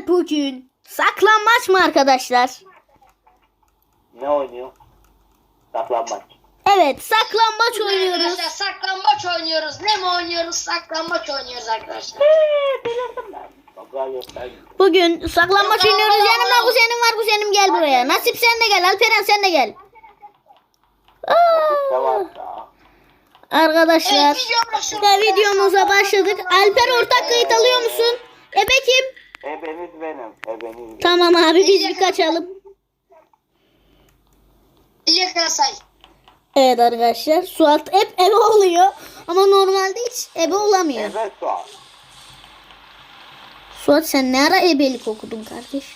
bugün saklambaç mı arkadaşlar? Ne oynuyor? Saklambaç. Evet, saklambaç oynuyoruz. Arkadaşlar saklambaç oynuyoruz. Ne mi oynuyoruz? Saklambaç oynuyoruz arkadaşlar. Bakalım göster. Bugün saklambaç oynuyoruz. Yanımda kuzenim var. Kuzenim gel buraya. Nasip sen de gel. Alperen sen de gel. Tamam da. Arkadaşlar Evet, videomuza başladık. Alper ortak kayıt alıyor musun? Ebe kim? Ebeniz benim. Ebeniz benim. Tamam abi biz bir kaçalım. İyi say. Evet arkadaşlar Suat hep ebe oluyor. Ama normalde hiç ebe olamıyor. Ebe Suat. Suat sen ne ara ebelik okudun kardeş?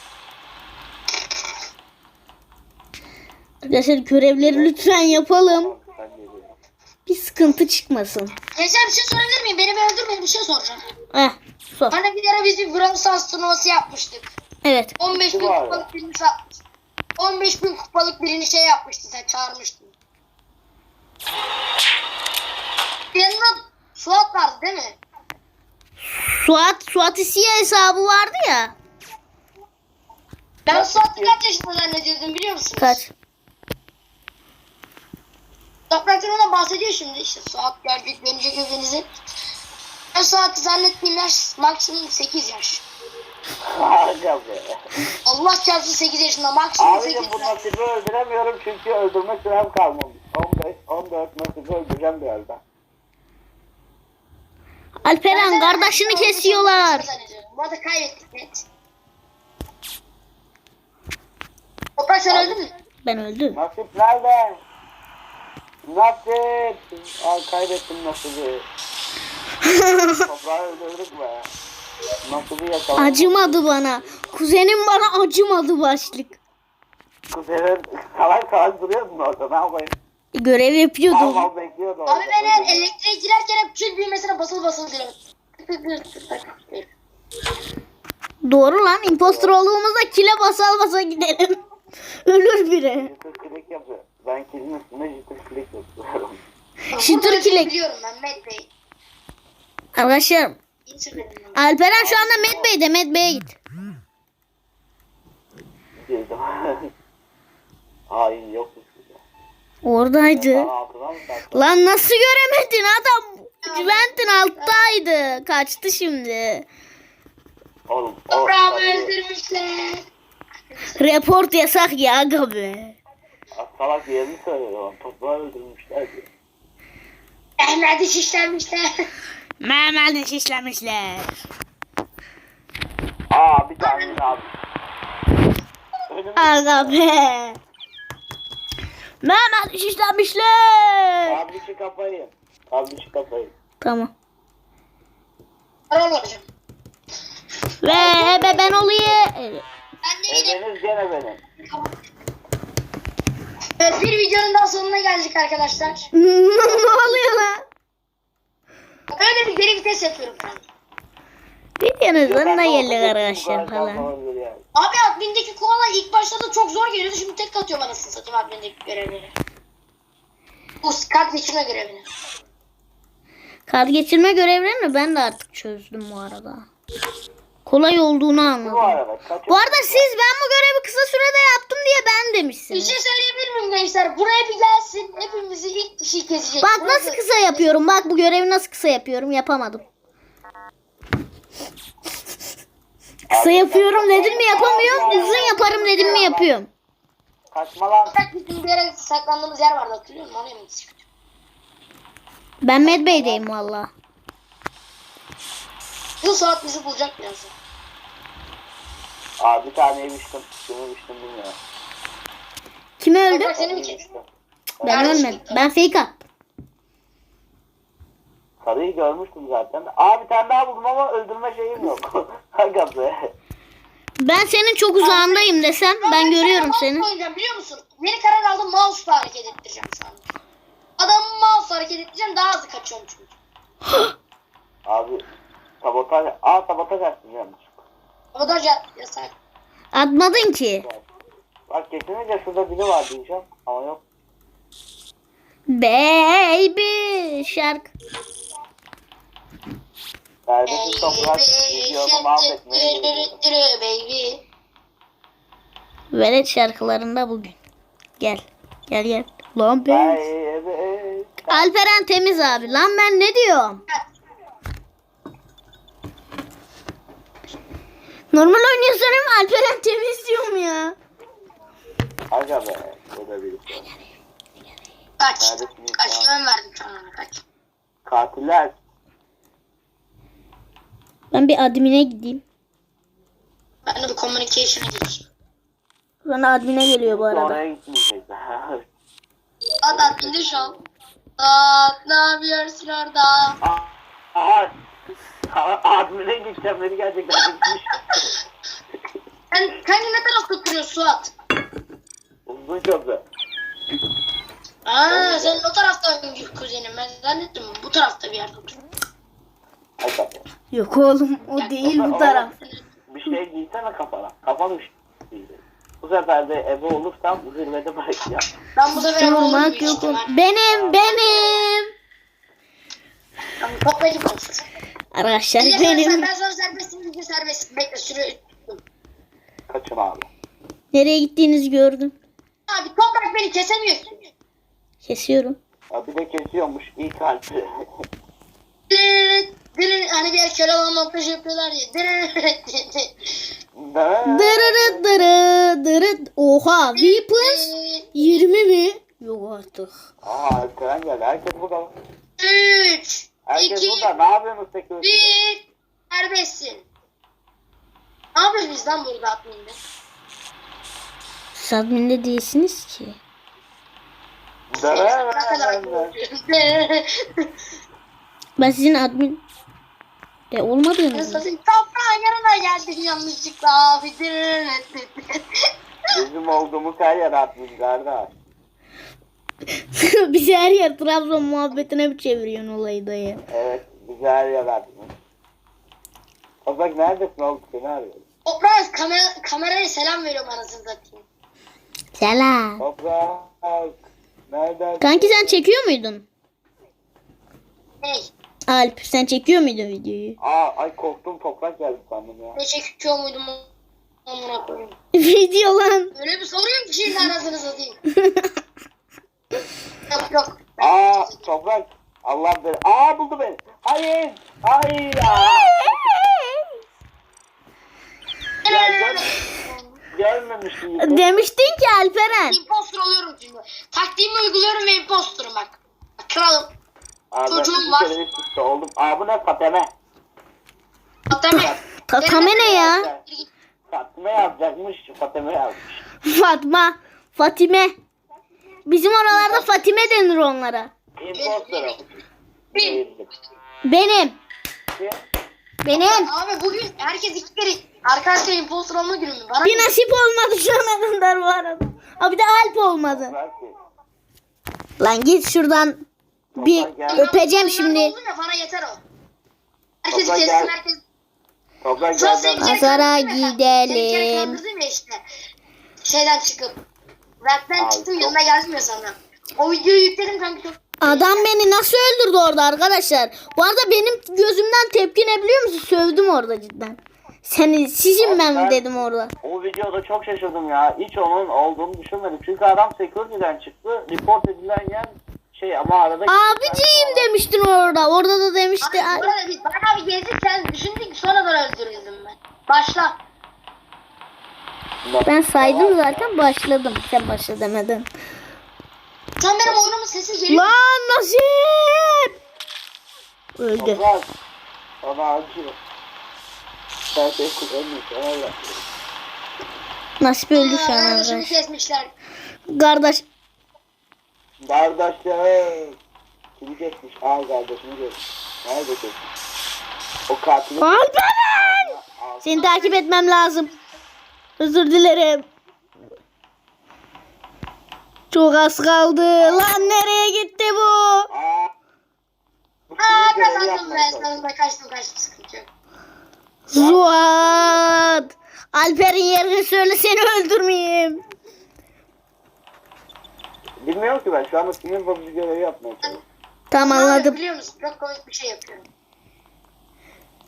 Arkadaşlar görevleri lütfen yapalım. Ben geliyorum. Bir sıkıntı çıkmasın. Gençler bir şey sorabilir miyim? Beni bir öldürmeyin, bir şey soracağım. Sor. Hani bir ara biz bir Brawl Stars turnuvası yapmıştık. Evet. 15 bin Var. kupalık birini satmıştık. 15 bin kupalık birini şey yapmıştın, sen çağırmıştın. Yanında Suat vardı değil mi? Suat İsiye hesabı vardı ya. Ben Suat'ı kaç yaşında zannediyordum biliyor musunuz? Kaç? Topraktan ona bahsediyor şimdi, işte Suat gelecek, dönecek evinizi. Ben Suat'ı zannettiğim yaş maksimum 8 yaş. Harika be. Allah çarpsın 8 yaşında, maksimum 8 Abicim bu yaş. nasibi öldüremiyorum çünkü öldürme sürem kalmamış. 15, 14 nasibi öldüreceğim birazdan. Alperen kardeşini kesiyorlar. Bu arada kaybettik net. Toprak sen öldün mü? Ben öldüm. Nasip nerede? Nasip. Ay kaybettim nasibi. Toprağı öldürdük be. Nasibi yakaladım. Acımadı bana. Kuzenim bana acımadı başlık. Kuzenin salak salak duruyordu orada. Ne yapayım? Görev yapıyordu. Mal bekliyordu orada. Abi ben her elektriğe girerken hep kül büyümesine basılı basılı diyorum. Doğru lan. Impostor olduğumuzda kile basa gidelim. Ölür biri. Jitter klik yapıyor. Ben kilin üstüne jitter klik yapıyorum. Shitter kilek. Biliyorum ben Matt Bey. Arkadaşlar İntirmedim. Alperen şu anda Met Bey'de. Met Bey'e git. Girdim. Hain yok. Oradaydı. Altına mı sattın? Lan nasıl göremedin adam? Juventus'un alttaydı. Kaçtı şimdi. Oğlum. Toprağımı öldürmüşler. Report yasak ya aga be. Salak yerini söylüyor. Toprağı öldürmüşler diyor. Mehmet'i şişlenmişler. Mehmet'i şişlemişler. Aa bir tane abi. Önümüzde. Aga be. Mehmet'i şişlemişler. Abi şu kafayı. Abi şu kafayı. Tamam. Rol olacağım. Ve ebe ben olayım. Evet. Ben de gidip. Ebeniz gene benim. Evet, bir videonun daha sonuna geldik arkadaşlar. Ne oluyor lan? Öyle bir geri vites yapıyorum ben. Videonun sonuna Ben de geldik okudum, arkadaşlar bu kadar falan. olabilir yani. Abi admindeki koala ilk başta da çok zor geliyordu. Şimdi tek atıyorum anasını satayım admindeki görevleri. Bu kart geçirme görevini. Kart geçirme görevlerini ben de artık çözdüm bu arada. Kolay olduğunu Bu anladım. arada kaç Bu arada siz ben bu görevi kısa sürede yaptım diye ben Bir demişsiniz. şey söyleyebilir miyim gençler? Buraya bir gelsin. Hepimizi ilk kişi kesecek. Bak Burası- nasıl kısa yapıyorum. Bak bu görevi nasıl kısa yapıyorum. Yapamadım. Kısa yapıyorum dedim mi yapamıyorum. Uzun yaparım dedim mi yapıyorum. kaçma lan. Bak bizim bir yere saklandığımız yer vardı, hatırlıyor musun? Oraya mı gidecek? Ben Medbay'deyim valla. Bu saat bizi bulacak birazdan. Aa bir tane yemiştim. Kimi yemiştim bilmiyorum. Kim öldü? Toprak seni mi kesti? Ben ölmedim. Ben fake attım. Sarıyı görmüştüm zaten. Aa bir tane daha buldum ama öldürme şeyim yok. Aga be. Ben senin çok uzağındayım desem ben görüyorum seni. Oynayacağım biliyor musun? Yeni karar aldım, mouse'la hareket ettireceğim şu anda. Adamı mouse'la hareket ettireceğim, daha hızlı kaçıyorum çünkü. Abi sabotaj. Aa sabotaj açtım yanlış. Sabotaj yasak. Atmadın ki. Bak kesinlikle şurada biri var diyeceğim ama yok. Baby şarkı. Kardeşim toprak videomu mahvetmeye geliyorum. baby. Velet şarkılarında bugün. Gel. Gel gel. Lan ben. Baby. Alperen temiz abi. Lan ben ne diyorum? Normal oynuyorsan Alperen temiz diyorum ya. Aga be. O da bir şey. Kaç. Neredesiniz Kaç ya? ön verdim sana kaç. Katiller. Ben bir admine gideyim. Ben de bir communication'a gideyim. Bana admine geliyor bu arada. Oraya gitmeyecek. At indi şu an. At ne yapıyorsun orada? Aha. Admine gideceğim beni gerçekten gitmiş. Sen kanka ne tarafta duruyorsun Suat? Uzun köprü. Aa sen o tarafta kuzenim. Ben zannettim bu tarafta bir yerde oturuyor. Aga be. Yok oğlum o değil bu taraf. Bir şey giysene kafana. Kafan üşüdü. Bu sefer de ebe olursam zirvede bırakacağım. Ben bu sefer ama Durmak olmuyor yok. işte. Benim. Ben toplayıcı konuşuyorum. Arkadaşlar Ben benim. sana serbestim diye serbest. Bekle süre. Kaçın abi. Nereye gittiğinizi gördüm. Abi toprak beni kesemiyor. Kesiyorum. Ya bir de kesiyormuş ilk harfi. Hani bir yer köle olan montaj yapıyorlar ya. Dırırı dırı dırı. Oha weapons 20 mi? Yok artık. Aa Alperen geldi. Herkes burada. 3 Herkes 2 burada. Ne yapıyorsunuz peki? 1 Serbestsin. Ne yapıyoruz biz lan burada adminde? Siz adminde değilsiniz ki. Ne kadar Ben sizin admin de olmadığınız mı? Toprağın yanına geldim yanlışlıkla abi. Bizim olduğumuz her yer atmış kardeş. Bizi her yer Trabzon muhabbetine mi çeviriyorsun olayı dayı? Evet. Bizi her yer atmış. Toprak neredesin oğlum? Seni arıyorum. Toprağın kameraya selam veriyorum anasını satayım. Selam. Toprak. Nereden? Kanki sen çekiyor muydun? Hey, Alp sen çekiyor muydun videoyu? Ay korktum toprak geldi sandım ya. ne çekiyor muydum amına koyayım. Video lan. Öyle bir soruyorum ki şimdi anasını satayım. Yok. Toprak. Allah beni. Buldu beni. Hayır. Hayır. Gelmemiştim. Demiştin ki Alperen. Imposter oluyorum şimdi. Taktiğimi uyguluyorum ve imposter'ım bak. Kralım. Ben Çocuğum var. bir kere üst üste oldum. Bu ne Fateme? Fatame. Fatame ne ya? Fatime yazacakmış. Fateme yazmış. Fatime. Bizim oralarda Fatime denir onlara. Imposter'ım. Bin. Benim. Abi bugün herkes iki kere arkadaşlar imposter olma günü mü? Bana Bir nasip olmadı şu ana kadar bu arada. Bir de Alp olmadı. Lan git şuradan. Bir öpeceğim şimdi. Oldu ya, bana yeter o. Herkes Toprak kessin gel. herkes. Toprak Sonra gel seni bir ben. kere Pazara kandırdım ya. gidelim. Seni bir kere kandırdım ya işte. Şeyden çıkıp. Rap'ten Abi, çıktım çok- yanına geldim ya sana. O videoyu yükledim kanka çok. Adam beni nasıl öldürdü orada arkadaşlar? Bu arada benim gözümden tepki ne biliyor musun? Sövdüm orada cidden. Sizin ben dedim orada. O videoda çok şaşırdım ya. Hiç onun olduğunu düşünmedim. Çünkü adam security'den çıktı. Report edilen yer ama arada... Abiciğim demiştin orada. Orada da demişti. Abi bu arada biz bayağı bir gezdik sen düşündük sonradan öldürüldüm ben. Başla. Ben saydım zaten başladım. Sen başla demedin. Sen benim oyunumun sesi geliyor. Lan nasip. Öldü. Toprak. Ona acıyor. Sen şey kullanmıyorsun. Allah. Nasip öldü şu an Kardeşimi arkadaş. kesmişler. Kardeş. Kardeşim. Kimi kesmiş? Kardeşini kesmiş. Nerede kesmiş? O katili... Alperen. Seni takip etmem lazım. Özür dilerim. Çok az kaldı. Lan nereye gitti bu? Bu kimin görevi Kazandım yapmaya ben. çalışıyor? Sonunda kaçtım sıkıntı yok. Zuhat. Alper'in yerini söyle seni öldürmeyeyim. Bilmiyorum ki ben şu anda kimin bozucu görevi yapmaya çalışıyorum. Tamam Abi, anladım. biliyor musun? Çok komik bir şey yapıyorum.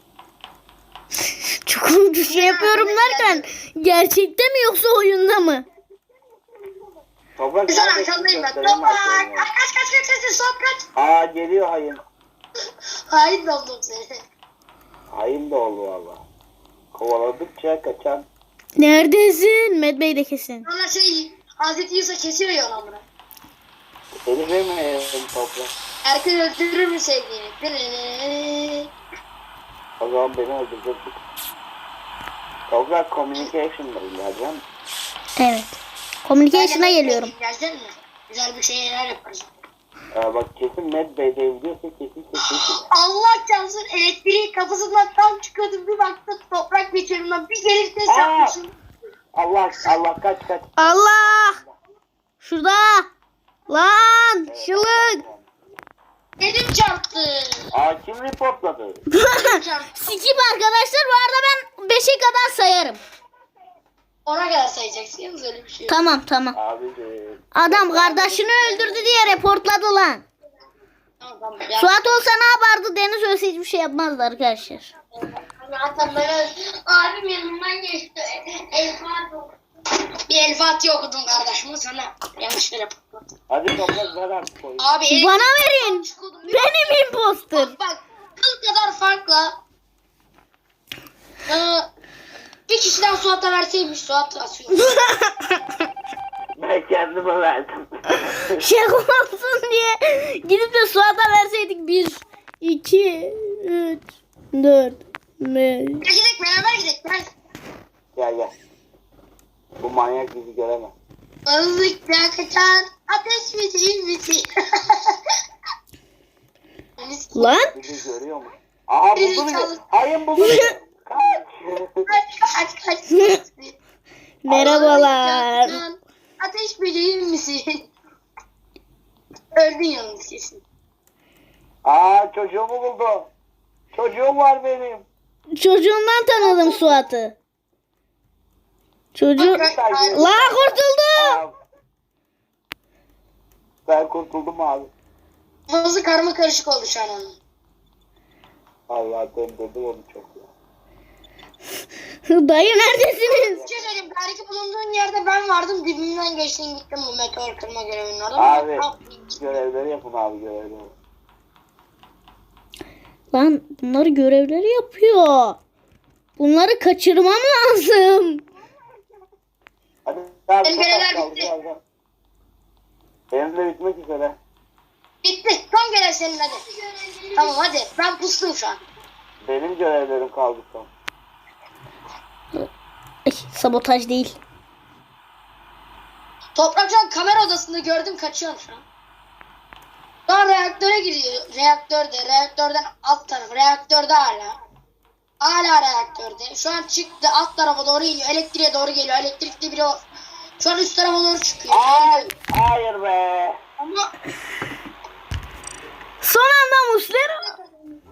Şey yapıyorum derken gerçekte mi yoksa oyunda mı? Toprak Güzel neredesin? arkandayım ben. Göstereyim Toprak. arkadaşlar. Kaç. Suat kaç. Aa geliyor hayım. Hayır oldum seni. Hayım da oldu valla. Kovaladıkça kaçan. Neredesin? Med Bey de kesin. Sonra Hazreti Yusuf kesiyor ya onu. Seni vermeyelim toprak. Erken öldürür mü sevdiğini? O zaman beni öldürecektik. Toprak communication'da ilerleyeceğim. Evet. Communication'a geliyorum. Gelecek mi? Güzel bir şeyler yaparız. Bak kesin Med Bey'de diyorsa kesin. Allah çalsın elektriği kafasından tam çıkıyordum. Bir baktım toprak geçiyorum. Bir gelip test Aa! yapmışım. Allah kaç. Allah! Şurada! Lan! Şılık! Elim çarptı. Aa kim reportladı? Elim çarptı. Skip arkadaşlar, bu arada ben 5'e kadar sayarım. Ona kadar sayacaksınız öyle bir şey yok. Tamam. Abiciğim. Adam kardeşini öldürdü diye reportladı lan. Tamam. Ya, Suat olsa ne yapardı? Deniz ölse hiçbir şey yapmazdı arkadaşlar. zaten ben abim yanımdan geçti. Bir El Fatiha okudum kardeşim sana. Yanlış yere patladım. Hadi toprak ver artık koyun. Abi Bana verin. Benim imposter. Bak kıl kadar farkla bir kişiden Suat'a verseymiş Suat asıyor. Ben kendime verdim. Şaka olsun diye gidip de Suat'a verseydik 1, 2, 3, 4, 5. Gidelim beraber gidelim. Gel. Bu manyak bizi göremez. Balıkla kaçan ateş müziği. Lan Bizi görüyor mu? Aha buldu beni. Hayır buldu beni. Kaç. Kaç. merhabalar. Balıkla ateş böceği misin? Öldün yalnız kesin. Aa çocuğumu buldu. Çocuğum var benim. Çocuğumdan tanıdım Suat'ı. Çocuğu... La kurtuldu. Aa, ben kurtuldum abi. Kafası karma karışık oldu şu an onun. Allah döndürdüm onu çok ya. Dayı neredesiniz? Bir şey söyleyeyim. Belki bulunduğun yerde ben vardım. Dibimden geçtin gittim bu meteor kırma görevinin orada. Abi görevleri yapın abi görevleri. Lan bunları görevleri yapıyor. Bunları kaçırmam lazım. Hadi abi Benim çok görevler az kaldı bitti. birazdan. Benim de bitmek üzere. Bitti. Son görev senin hadi. Tamam hadi. Ben pustum şu an. Benim görevlerim kaldı son. Ay, sabotaj değil. Toprak şu an kamera odasında gördüm kaçıyorum şu an. Şu an reaktöre giriyor. Reaktörden alt tarafı. Reaktörde hala. Hala reaktörde. Şu an çıktı alt tarafa doğru iniyor. Elektriğe doğru geliyor. Elektrikli biri o. Şu an üst tarafa doğru çıkıyor. Ay, hayır be. Ama Son anda Muslera.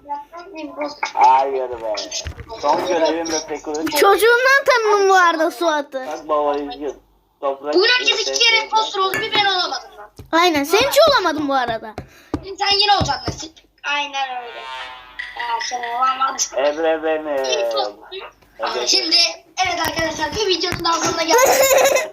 Hayır be. Son görevim de security. Çocuğundan tanıdım bu arada Suat'ı. Bak baba üzgün. Toprak. bugün herkes 2 kere impostor oldu. Bir ben olamadım lan. Aynen, sen hiç olamadın bu arada. Sen yine olacaksın Nesin. Aynen öyle. Ya sen olamadın. Emre benim. Aha, şimdi evet arkadaşlar bir videonun daha sonuna geldik.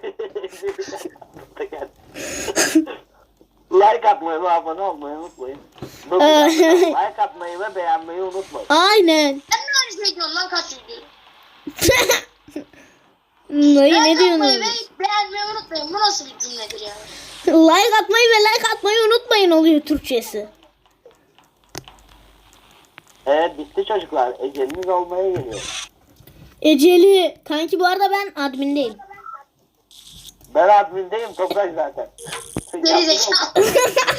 Like atmayı ve abone olmayı unutmayın. Like atmayı ve beğenmeyi unutmayın. Aynen. Sen ne aynı şey diyorsun lan kaç video? Dayı ne Like atmayı diyorsunuz? ve beğenmeyi unutmayın. Bu nasıl bir cümledir yani? Like atmayı ve like atmayı unutmayın oluyor Türkçesi. Evet bitti çocuklar. Eceliniz olmaya geliyor. Eceli. Kanki bu arada ben admindeyim. Ben admindeyim toprak zaten. Geri zekalı.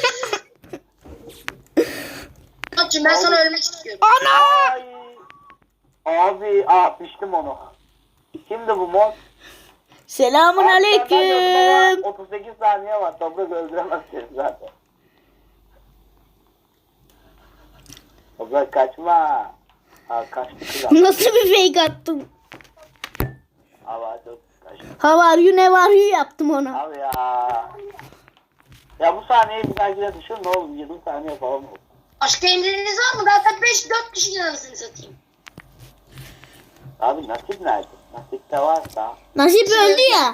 Koçum ben sana ölmek istiyorum. Ay. Abi piştim onu. Kimdi bu mod? Selamun Abi, aleyküm. 38 saniye var. Toprak öldüremez seni zaten. Toprak kaçma. Kaçtı kral. Nasıl bir fake attım? Ama çok kaçtı. How are you, ne var you yaptım ona. Abi ya. Ya bu saniyeyi bir dahakine düşün ne oğlum 20 saniye falan oldu. Başka emriniz var mı? Zaten 5-4 kişi anasını satayım. Abi nasip nerede? Nasip de varsa. Nasip öldü ya.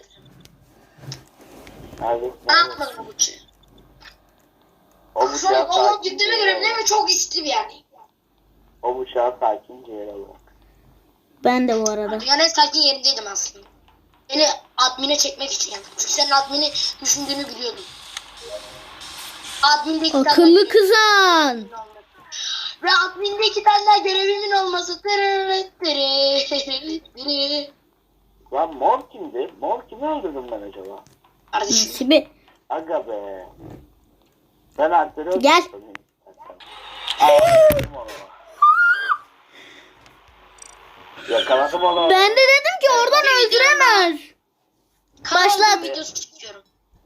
Nerede? Ne yapmadım o bıçağı? O Şu an bıçağı onun sakince gittiğime yere göre değil bırak. mi? Çok istim yani. O bıçağı sakince yere bırak. Ben de bu arada. Dünyanın en sakin yerindeydim aslında. Beni admine çekmek için yani. Çünkü senin admini düşündüğünü biliyordum. Adminde iki Akıllı kızan. Ve adminde 2 tane daha görevimin olması. Lan mor kimdi? Mor kimi öldürdüm ben acaba? Kardeşim. Nasibi. Aga be. Ben Alper'i öldürdüm. Gel. Yakaladım onu. Yakaladım onu. Ben de dedim ki oradan öldüremez. Başlat. Başlat. Videosu çekiyorum.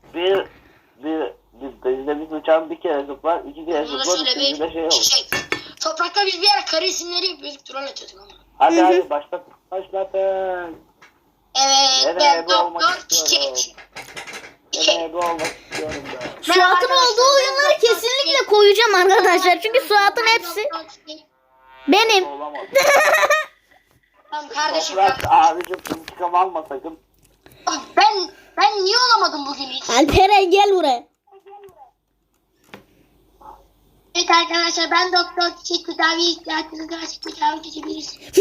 Bizde bir uçağın bir kere zıplar, iki kere Bunu da zıplar, şöyle üçüncü de bir şey olur. şey. Toprakta biz bir ara kare isimleri yapıyorduk. Troll atıyorduk ama. Hadi hadi başlatın. Evet. Nereye Ben ebe olmak Doktor istiyorum. Çiçek. Ben ebe olmak istiyorum ben. Suat'ın olduğu oyunları kesinlikle koyacağım arkadaşlar. Çünkü Suat'ın hepsi benim. Olamaz. Tamam kardeşim. Toprak abicim intikam alma sakın. Ben niye olamadım bugün hiç? Alperen gel buraya. Evet arkadaşlar ben Doktor Çiçek tedavi ihtiyacınız varsa tedavi edebilirsiniz.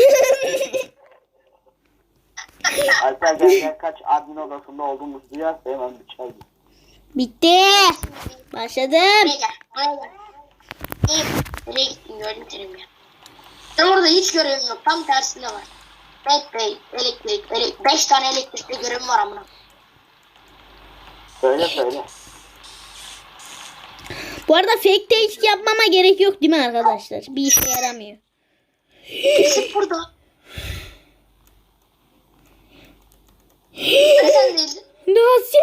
Alper gel kaç admin odasında olduğumuzu duyarsa hemen bıçağı git. Bitti. Başladım. Buraya gel. Buraya gel. İyi. Nereye gittin gördüm seni ya. Ben orada hiç görevim yok. Tam tersinde var. Elektrik. 5 tane elektrikte görevim var amına. Söyle. Bu arada fake take yapmama gerek yok değil mi arkadaşlar? Bir işe yaramıyor. Sık burada. Sen değildin. Nasip.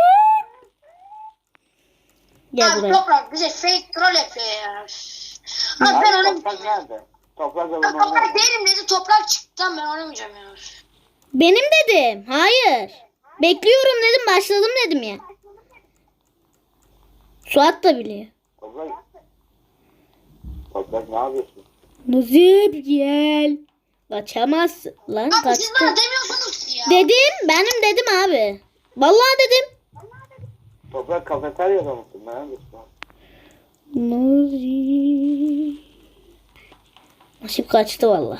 Gel Abi buraya. Toprak bize fake troll yapıyor ya. Abi ben Abi onu... toprak nerede? Toprak Ben alanı Toprak nerede? değilim dedi. Toprak çıktı. Ben oynamayacağım ya. Benim dedim. Hayır. Bekliyorum dedim. Başladım dedim ya. Suat da biliyor. Toprak ne yapıyorsun? Nasip gel. Kaçamazsın. Lan Abi siz kaçtı. bana demiyorsunuz ki ya. Dedim. Benim dedim abi. Vallahi dedim. Toprak kafeteryada mısın? Neredesin? Nasip. Nasip kaçtı vallahi.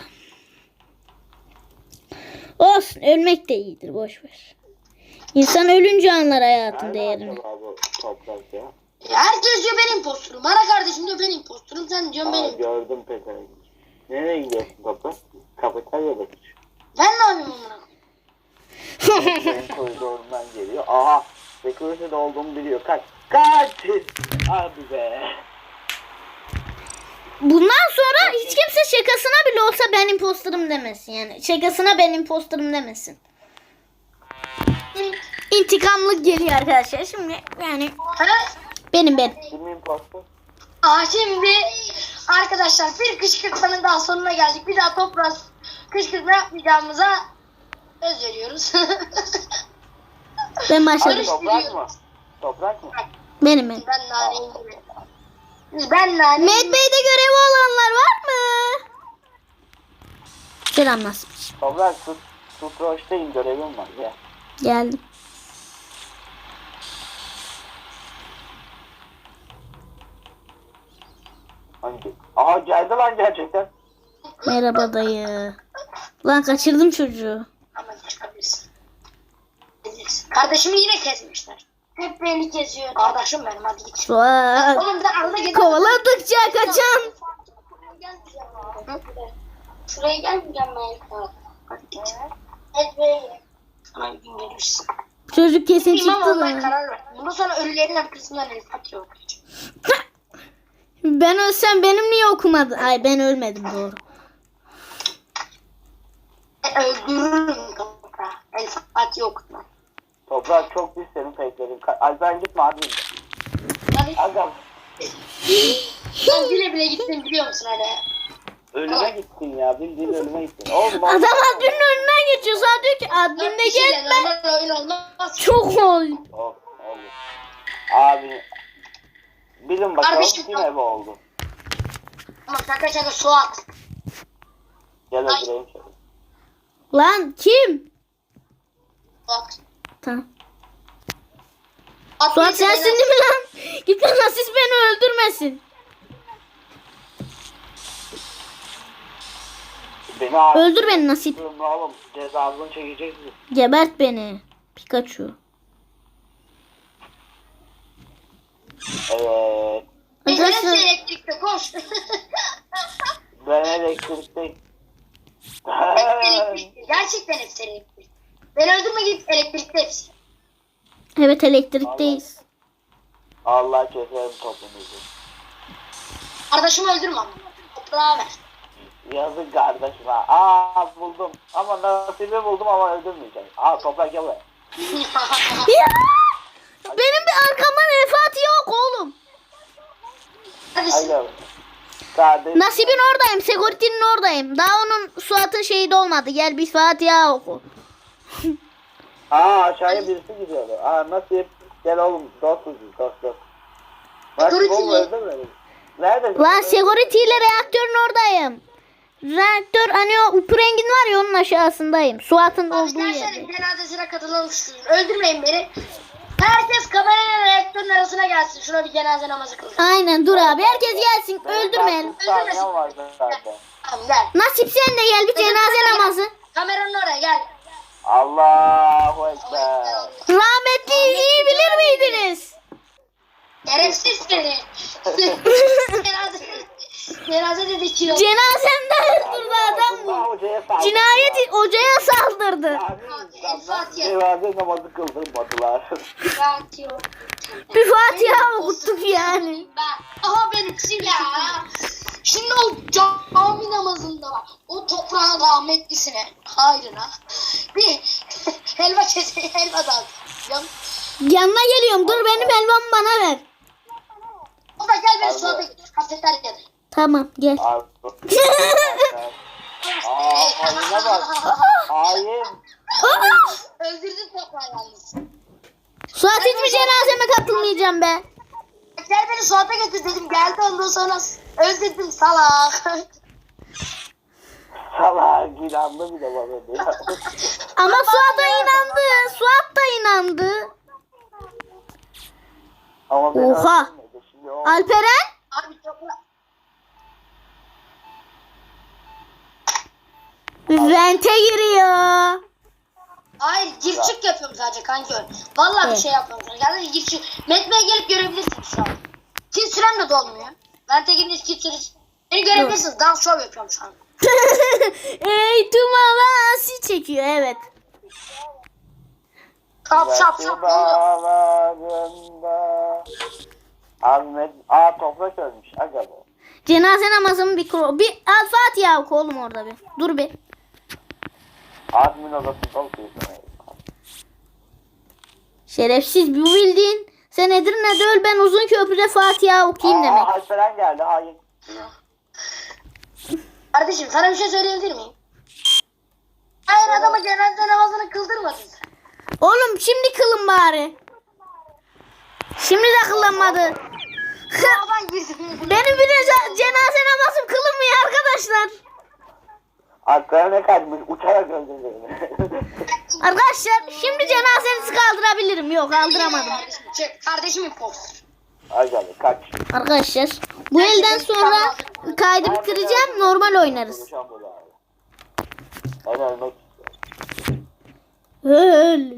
Olsun. Ölmek de iyidir. Boş ver. İnsan ölünce anlar hayatın Nerede değerini. acaba bu toprak ya? Herkes diyor ben impostorum. Bana kardeşim diyor ben impostorum. Sen diyorsun Aa, benim. gördüm peterengi. Nereye gidiyorsun toprak? Kafeteryada mı? Ben ne yapayım amına? Senin koridorundan geliyor. Aha. Security'de olduğumu biliyor. Kaç. Abi be. Bundan sonra hiç kimse şakasına bile olsa ben imposterım demesin yani. Şakasına ben imposterım demesin. İntikamlık geliyor arkadaşlar. Şimdi yani Ha? benim. Kim impostor? Şimdi arkadaşlar bir kışkırtmanın daha sonuna geldik. Bir daha Toprak kışkırtma yapmayacağımıza söz veriyoruz. Ben Abi başladım. toprak mı? Toprak mı? Benim. Ben naneyi Ben naneyi Medbay'de görevi olanlar var mı? Selam nasıl? Toprak Sutroş'tayım görevim var ya. Geldim. Hangi? Aha geldi lan gerçekten. Merhaba dayı. Lan kaçırdım çocuğu. Ama çıkabilirsin. Kardeşimi yine kesmişler. Hep beni kesiyor. Kardeşim benim hadi git. Suat. Oğlum da arada gel. Kovaladıkça kaçan. Şuraya gelmeyeceğim ben. Hadi git. Evet be. Sana bir gün gelirsin. Çocuk kesin İmam çıktı olmaya lan. karar ver. Bundan sonra ölülerin arkasından el satıyor. Ben ölsem benim niye okumadı? Ay ben ölmedim doğru. Öldürürüm toprağı. El saat yok. Toprak çok pis senin fake'lerin. Alper gitme abi. Hadi. Aga Ben bile bile gittim biliyor musun hadi. ölüme gittin ya. Bildiğin ölüme gittin. Oğlum Adam adminin önünden geçiyor. Sana diyor ki admin de gelme. Normal oyun olmaz. Çok ol. Olur. Abi bilin bakalım Kardeşim, kim ebe oldu. Ama şaka Suat. Gel öldüreyim seni. Lan kim? Bak. Tamam. At Suat neyse, sensin değil mi lan? Git lan Asis beni öldürmesin. Beni abi. Öldür beni Nasip. Oğlum cezasını çekeceksin. Gebert beni. Pikachu. Evet. Neyse, Arkadaşlar hepsi elektrikte koş. Ben elektrikte. Hepsi elektrikte. Gerçekten hepsi elektrikte. Beni öldürme git elektrikte hepsi. evet elektrikteyiz. Allah keserim topunuzu. Kardeşimi öldürme ama. Toprağa ver. Yazık kardeşim ha. Buldum. Ama nasibi buldum ama öldürmeyeceğim. Toprak gel buraya. Ya! Benim bir arkamdan vefat yok oğlum. Hadi Hayır. Kardeşim. Nasib'in oradayım. Security'nin ordayım. Daha onun Suat'ın şeyi de olmadı. Gel bir Fatiha oku. Aşağıya birisi gidiyordu. Nasip. Gel oğlum. Dostuz biz. Dost. Nasip Security oğlum mi? öldürmedin. Neredesin? Lan Security ile reaktörün oradayım. Reaktör hani o upurengin var ya onun aşağısındayım. Suat'ın olduğu Gençlerin yerde. cenazesine katılalım şu. Öldürmeyin beni. Herkes kamerayla reaktörün arasına gelsin. Şuna bir cenaze namazı kılsın. Aynen dur abi. Herkes gelsin. Öldürmeyelim. 30 saniyem vardı zaten. Tamam gel. Nasip sen de gel bir cenaze namazı. Kameranın oraya gel. Allahu Ekber. Rahmetli iyi bilir miydiniz? Şerefsiz seni. Cenaze dedi kilo. Cenazemde öldürdü adam bu. Allah hocaya saldırdı. Cinayet hocaya saldırdı. Yani Fatiha. cenaze namazı kıldırmadılar. Fatiha. Bir Fatiha okuttuk yani. Aha benimsin ya. Şimdi o cami namazında o toprağın rahmetlisine hayrına bir helva helva dağıtacağım. Yanına geliyorum. Dur benim helvamı bana ver. O da gel beni Abi. suada götür kafeteryada. Tamam gel. Haline bak. Hain. Öldürdün toprağı yalnız. Suat hiçbir cenazeme katılmayacağım be. Gel beni suada götür dedim geldi ondan sonra öldürdüm salak. Salak inandı bir de bana diyor. Ama Suat da inandı. Suat da inandı. Ama beni Oha. öldürmedi. Şimdi o Alperen? Abi toprağı. Vente giriyor. Hayır gir çık yapıyorum sadece kanka. Vallahi bir şey yapmıyorum. Yani gir çık. Metme'ye gelip görebilirsiniz şu an. Kill sürem de dolmuyor. Vente girince kill süresi. Beni görebilirsiniz. Dans show yapıyorum şu an. Ey tumalası çekiyor evet. Şap şap şap. Ne oluyor? dağlarında. Ahmet. Toprak ölmüş. Aga be. Cenaze namazımı bir Al Fatiha oku oğlum orada bir. Dur bir. Admin odasında okuyorsun. Şerefsiz bu bildiğin. Sen Edirne'de öl ben uzun köprüde Fatiha okuyayım demek. Alperen geldi. Hain. Kardeşim sana bir şey söyleyebilir miyim? Hayır adama cenaze namazını kıldırmadın sen. Oğlum şimdi kılın bari. Şimdi de kılınmadı. Sağdan girsin. Benim bir de cenaze namazım kılınmıyor arkadaşlar. Alperen ne kaçmış? Uçarak öldürdü beni. Arkadaşlar şimdi cenazenizi kaldırabilirim. Yok kaldıramadım. Kardeşim çek. Kardeşim imposter. Aga be kaç. Arkadaşlar bu elden sonra kaydı bitireceğim. Normal oynarız. Konuşan böyle abi. Ben ölmek istiyorum. Öl.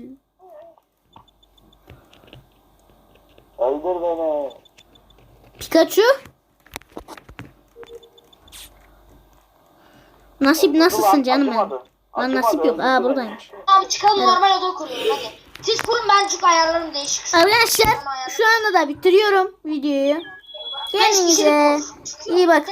Öldür beni. Pikachu. Nasip nasılsın canım benim? Acımadı. Lan nasip yok. Acımadı, Buradaymış. Tamam çıkalım normal oda kuruyorum hadi. Siz kurun ben çünkü ayarlarım değişik. Arkadaşlar şu anda da bitiriyorum videoyu. Kendinize iyi bakın.